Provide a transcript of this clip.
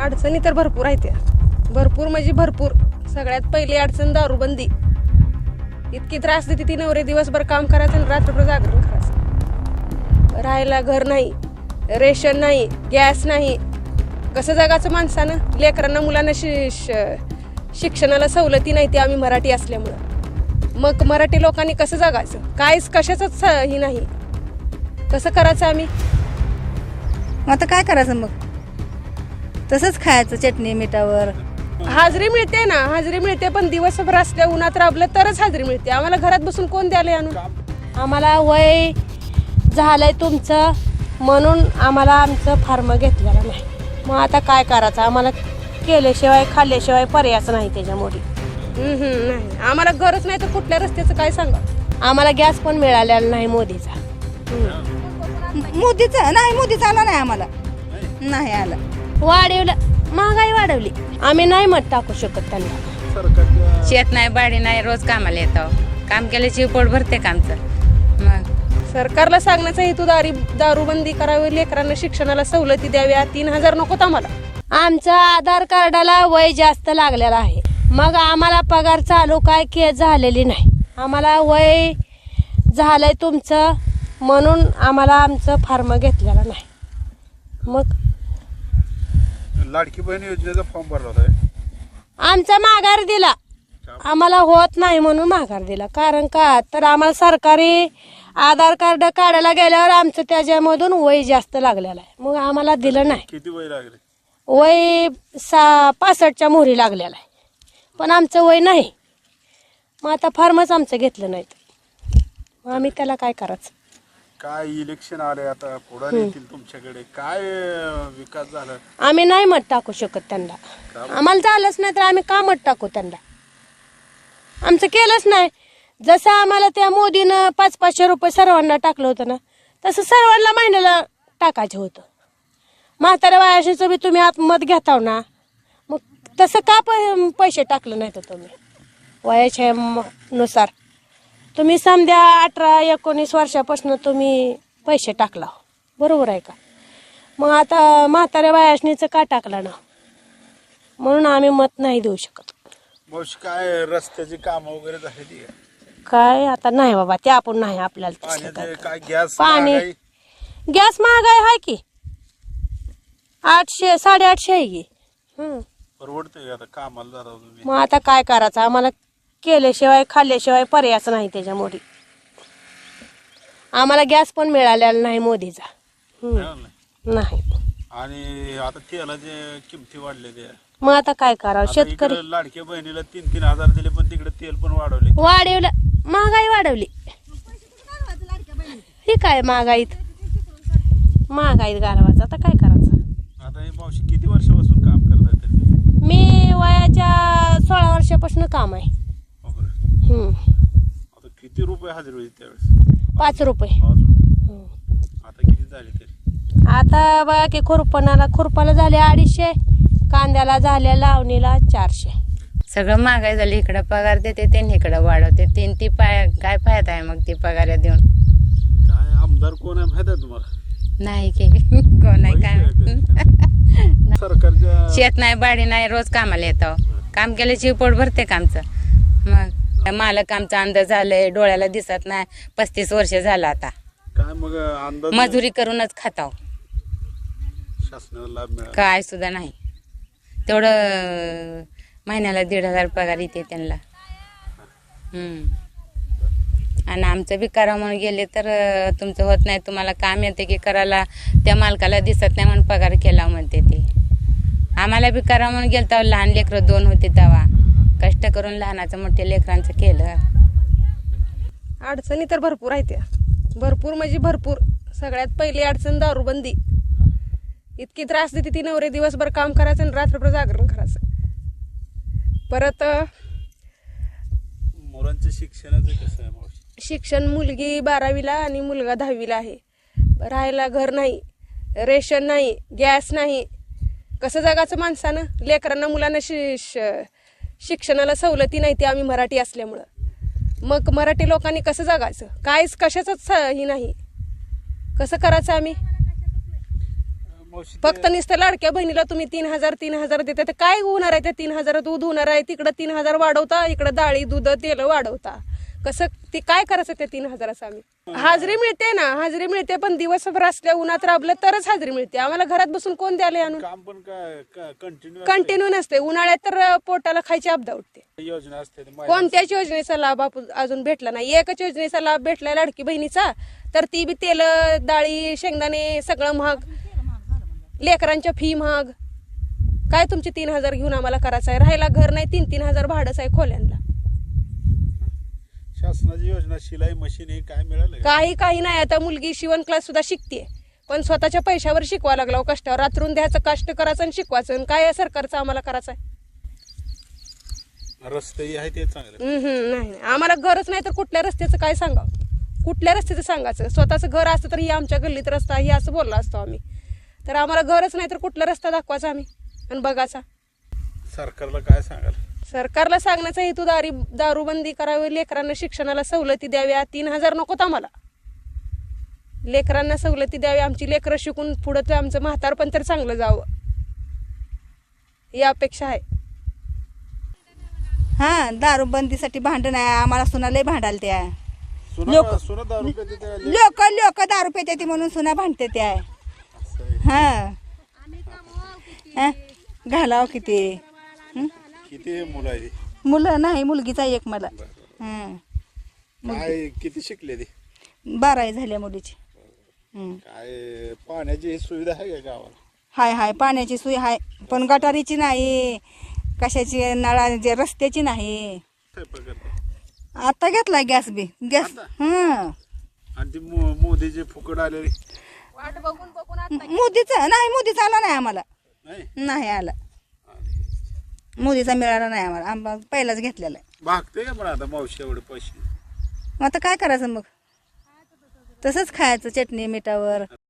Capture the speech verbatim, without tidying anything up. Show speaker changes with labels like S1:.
S1: अडचणी तर भरपूर आहेत त्या, भरपूर म्हणजे भरपूर. सगळ्यात पहिली अडचण दारूबंदी. इतकी त्रास देते ती. नवरे दिवसभर काम करायचं आणि रात्रभर जागरण करायचं. राहायला घर नाही, रेशन नाही, गॅस नाही. कसं जगाचं माणसानं? लेकरांना मुलांना शि शिक्षणाला सवलती नाही, ते आम्ही मराठी असल्यामुळं. मग मराठी लोकांनी कसं जगायचं? काहीच कशाचंच ही नाही. कसं करायचं आम्ही?
S2: आता काय करायचं मग? तसंच खायचं चटणी मिठावर.
S1: हाजरी मिळते ना, हाजरी मिळते, पण दिवसभर असल्या उन्हात राबलं तरच हाजरी मिळते. आम्हाला घरात बसून कोण द्यायला आणून?
S3: आम्हाला वय झालंय तुमचं म्हणून आम्हाला आमचं फार्म घेतलेलं नाही. मग आता काय करायचं? आम्हाला केल्याशिवाय खाल्ल्याशिवाय पर्यायच नाही त्याच्यामुळे.
S1: हम्म, हम्म, नाही आम्हाला गरज नाही तर कुठल्या रस्त्याचं काय सांगा?
S3: आम्हाला गॅस पण मिळालेला नाही मोदीचा.
S2: मोदीचा नाही, मोदीचा आला नाही आम्हाला, नाही आला.
S3: वाढवलं, महागाई वाढवली. आम्ही नाही मत टाकू शकत त्यांना.
S4: शेत नाही, बाडी नाही, रोज कामाला येतो. काम केल्याची पोट भरते कामचं. मग
S1: सरकारला सांगण्याचा हेतू दारी दारूबंदी करावी, लेकरांना शिक्षणाला सवलती द्याव्या. तीन हजार नकोत आम्हाला.
S3: आमचं आधार कार्डाला वय जास्त लागलेलं आहे, मग आम्हाला पगार चालू काय के झालेली नाही. आम्हाला वय झालंय तुमचं म्हणून आम्हाला आमचं फार्म घेतलेलं नाही. मग
S5: लाडकी बहीण योजनेचा फॉर्म भरला होता,
S3: आमचा माघार दिला. आम्हाला होत नाही म्हणून माघार दिला. कारण का तर आम्हाला सरकारी आधार कार्ड काढायला गेल्यावर आमचं त्याच्यामधून वय जास्त लागलेलं आहे, मग आम्हाला दिलं नाही.
S5: किती वय लागले?
S3: वय सा पासष्टच्या मोहरी लागलेला आहे, पण आमचं वय नाही. मग आता फार्मच आमचं घेतलं नाही, मग आम्ही त्याला काय करायचं?
S5: काय इलेक्शन आले आता, पुढे येतील तुमच्याकडे, काय विकास झाला?
S3: आम्ही नाही मत टाकू शकत त्यांना. आम्हाला झालंच नाही तर आम्ही का मत टाकू त्यांना? आमचं केलंच नाही. जसं आम्हाला त्या मोदीनं पाच पाचशे रुपये सर्वांना टाकलं होतं ना, तसं सर्वांना महिन्याला टाकायचं होतं. म्हाताऱ्या वयाशीचं बी तुम्ही आत मत घेताव ना, मग तसं का प पैसे टाकलं नाही तर तुम्ही वयाच्या नुसार? तुम्ही समजा अठरा एकोणीस वर्षापासून तुम्ही पैसे टाकला, बरोबर आहे का? मग आता म्हाताऱ्या वयाशनीचं का टाकलं ना, म्हणून आम्ही मत नाही देऊ शकत.
S5: मावशी काय रस्त्याची कामं वगैरे झाली?
S3: काय आता नाही बाबा, ते आपण नाही आपल्याला तसलं
S5: पाण्याचे
S3: काय.
S5: काय, गॅस
S3: पाणी
S5: महागाई?
S3: गॅस महागाई आहे की, आठशे साडेआठशे आहे की. हम्म.
S5: परवडते का आता कामाला जाता तुम्ही?
S3: मग आता काय करायचं? आम्हाला केल्याशिवाय खाल्ल्याशिवाय पर्यायच नाही त्याच्यामुळे. आम्हाला गॅस पण मिळालेला नाही मोदीचा. हम्म.
S5: मिळालं नाही.
S3: नाही.
S5: आणि आता तेलाचे किमती वाढलेली आहे.
S3: मग आता काय करावं?
S5: आता
S3: शेतकरी
S5: इकडं लाडक्या बहिणीला तीन तीन हजार दिले, पण तिकडे तेल पण वाढवले.
S3: वाढवलं, महागाई वाढवली. ही काय महागाईत महागाईत घालवायचं, आता काय करायचं?
S5: आता हे मावशी किती वर्षापासून काम करताय तरी?
S3: मी वयाच्या सोळा वर्षापासून काम आहे. हम्म.
S5: आता किती रुपये हजेरी होती त्यावेळेस?
S3: पाच रुपये.
S5: पाच रुपये.
S3: हम्म.
S5: आता किती झाले तरी?
S3: आता बघा की खुरपणाला खुरपाला झाले अडीचशे, कांद्याला झाल्या लावणीला चारशे.
S4: सगळं महागाई झाली. इकडं पगार देते ते, इकडं वाढवते तीन. ती पाय काय फायदा आहे मग ती पगार देऊन?
S5: काय आमदार कोण आहे माहित आहे तुम्हाला?
S4: नाही की कोण आहे काय?
S5: सरकारच्या
S4: शेत नाही, बाडी नाही, रोज कामाला येतो. काम केल्याची पोट भरते कामचं. मग मालक आमचा अंदाज झालंय, डोळ्याला दिसत नाही. पस्तीस वर्ष झालं आता
S5: काय मग अंदाज
S4: मजुरी करूनच खाताव,
S5: शासनाला लाभ मिळाला?
S4: काय सुद्धा नाही. तेवढं महिन्याला दीड हजार पगार येते त्यांना. हम्म. आणि आमचं बी करा म्हणून गेले तर तुमचं होत नाही, तुम्हाला काम येते की करायला, त्या मालकाला दिसत नाही म्हणून पगार केला म्हणते ते. आम्हाला बी करा म्हणून गेलं तेव्हा लहान लेकरं दोन होते, तेव्हा कष्ट करून लहानाचं मोठ्या लेकरांचं केलं.
S1: अडचणी तर भरपूर आहेत त्या, भरपूर म्हणजे भरपूर. सगळ्यात पहिली अडचण दारूबंदी. इतकी त्रास देते ती. नवरे दिवसभर काम करायचं आणि रात्रभर जागरण करायचं. परत
S5: मुलांच्या शिक्षणाचं कसं आहे मावशी?
S1: शिक्षण, मुलगी बारावीला आणि मुलगा दहावीला आहे. राहायला घर नाही, रेशन नाही, गॅस नाही. कसं जगाचं माणसानं? लेकरांना मुलांना शि शिक्षणाला सवलती नाही, ते आम्ही मराठी असल्यामुळं. मग मराठी लोकांनी कसं जगायचं? काहीच कशाचंच ही नाही. कसं करायचं आम्ही?
S5: मावशी
S1: फक्त नुसतं लाडक्या बहिणीला तुम्ही तीन हजार तीन हजार देता तर काय होणार आहे त्या तीन हजार दूध होणार आहे तिकडं तीन हजार वाढवता इकडं डाळी दूध तेल वाढवता कसं ते काय करायचं त्या तीन हजाराचं आम्ही हाजरी मिळते ना हाजरी मिळते पण दिवसभर असल्या उन्हात राबलं तरच हाजरी मिळते आम्हाला घरात बसून कोण द्यायला आणून
S5: काम पण काय कंटिन्यू
S1: कंटिन्यू नसते उन्हाळ्यात तर पोटाला खायची आपदा उठते
S5: योजना असते ती
S1: कोणत्याच योजनेचा लाभ आपण अजून भेटला नाही एकच योजनेचा लाभ भेटलाय लाडकी बहिणीचा तर ती बी तेल डाळी शेंगदाणे सगळं महाग लेकरांच्या फी महाग काय तुमचे तीन हजार घेऊन आम्हाला करायचं आहे राहायला घर नाही तीन तीन हजार भाडंच आहे खोल्यांना
S5: शासनाची योजना शिलाई मशीन हे काय मिळालं का?
S1: काही काही नाही आता मुलगी शिवण क्लास सुद्धा शिकते पण स्वतःच्या पैशावर शिकवा लागला हो कष्टावर रात्रून द्यायचं कष्ट करायचं आणि शिकवायचं आणि काय आहे सरकारचं आम्हाला करायचं आहे
S5: रस्ते आहे ते चांगले
S1: हम्म, हम्म, नाही नाही. आम्हाला घरच नाही तर कुठल्या रस्त्याचं काय सांगावं कुठल्या रस्त्याचं सांगायचं स्वतःचं घर असतं तर ही आमच्या गल्लीत रस्ता ही असं बोललो असतो आम्ही तर आम्हाला घरच नाही तर कुठला रस्ता दाखवायचा आम्ही आणि बघायचा
S5: सरकारला काय सांगाल
S1: सरकारला सांगण्याचा हेतू दारी दारूबंदी करावी लेकरांना शिक्षणाला सवलती द्याव्या तीन हजार नकोत आम्हाला लेकरांना सवलती द्याव्या आमची लेकरं शिकून पुढं तर आमचं म्हातारपण तर चांगलं जावं ही अपेक्षा आहे
S2: हा दारूबंदीसाठी भांडण आहे आम्हाला सुनालय भांडाल त्या
S5: सुना
S2: लोक-
S5: सुना दारू कधी त्या ले-
S2: लोक लोक दारू पिते ती म्हणून सुना भांडते त्या
S5: असं आहे.
S2: हा हा? घालाव किती हं?
S5: किती मुलं आहे ती?
S2: मुलं नाही मुलगीचा एक मला हं.
S5: काय किती शिकले ती
S2: बारावी झाल्या मुलीची हं.
S5: काय पाण्याची सुविधा आहे का गावाला
S2: हाय हाय पाण्याची सोय हाय पण गटारीची नाही कशाची नळा जे रस्त्याची नाही
S5: स्वयंपाक करता?
S2: आता घेतला गॅस बी गॅस हं
S5: आणि ती मो- मोदीची फुकट आलेली
S2: मोदीचा नाही मोदीचा आला नाही आम्हाला
S5: नाही
S2: नाही आला मोदीचा मिळाला नाही आम्हाला आम्हाला पहिलाच घेतलेला आहे
S5: भागते का पण आता मावशी एवढे पैसे
S2: मग आता काय करायचं मग तसंच खायचं चटणी मिठावर